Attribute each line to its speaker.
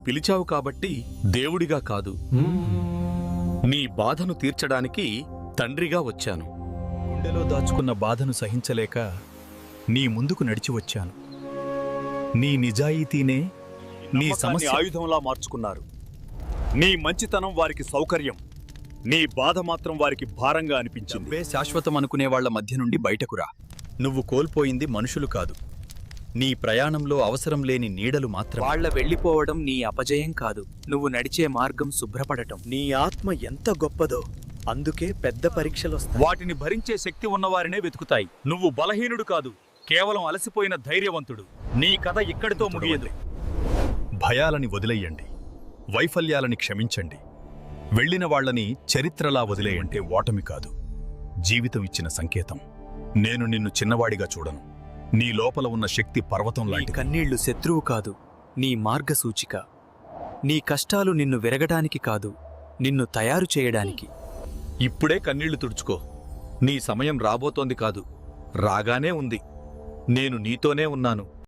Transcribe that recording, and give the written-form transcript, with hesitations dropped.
Speaker 1: పిలిచావు కాబట్టి దేవుడిగా కాదు, నీ బాధను తీర్చడానికి తండ్రిగా వచ్చాను.
Speaker 2: గుండెలో దాచుకున్న బాధను సహించలేక నీ ముందుకు నడిచి వచ్చాను. నీ నిజాయితీనే నీ సమస్య
Speaker 3: ఆయుధంలా మార్చుకున్నారు. నీ మంచితనం వారికి సౌకర్యం, నీ బాధ మాత్రం వారికి భారంగా అనిపించింది.
Speaker 2: డబ్బే శాశ్వతం అనుకునే వాళ్ల మధ్య నుండి బయటకురా. నువ్వు కోల్పోయింది మనుషులు కాదు, నీ ప్రయాణంలో అవసరం లేని నీడలు మాత్రమే.
Speaker 4: వాళ్ళ వెళ్ళిపోవడం నీ అపజయం కాదు, నువ్వు నడిచే మార్గం శుభ్రపడటం.
Speaker 5: నీ ఆత్మ ఎంత గొప్పదో, అందుకే పెద్ద పరీక్షలొస్తాయి.
Speaker 3: వాటిని భరించే శక్తి ఉన్నవారినే వెతుకుతాయి. నువ్వు బలహీనుడు కాదు, కేవలం అలసిపోయిన ధైర్యవంతుడు. నీ కథ ఇక్కడితో ముగియదు.
Speaker 2: భయాలని వదిలేయండి, వైఫల్యాలని క్షమించండి. వెళ్ళిన వాళ్లని చరిత్రలా వదిలేయంటే ఓటమి కాదు, జీవితం ఇచ్చిన సంకేతం. నేను నిన్ను చిన్నవాడిగా చూడను. నీ లోపల ఉన్న శక్తి పర్వతం
Speaker 4: నీ
Speaker 2: లాంటిది.
Speaker 4: కన్నీళ్లు శత్రువు కాదు, నీ మార్గసూచిక. నీ కష్టాలు నిన్ను విరగడానికి కాదు, నిన్ను తయారు చేయడానికి.
Speaker 1: ఇప్పుడే కన్నీళ్లు తుడుచుకో. నీ సమయం రాబోతోంది కాదు, రాగానే ఉంది. నేను నీతోనే ఉన్నాను.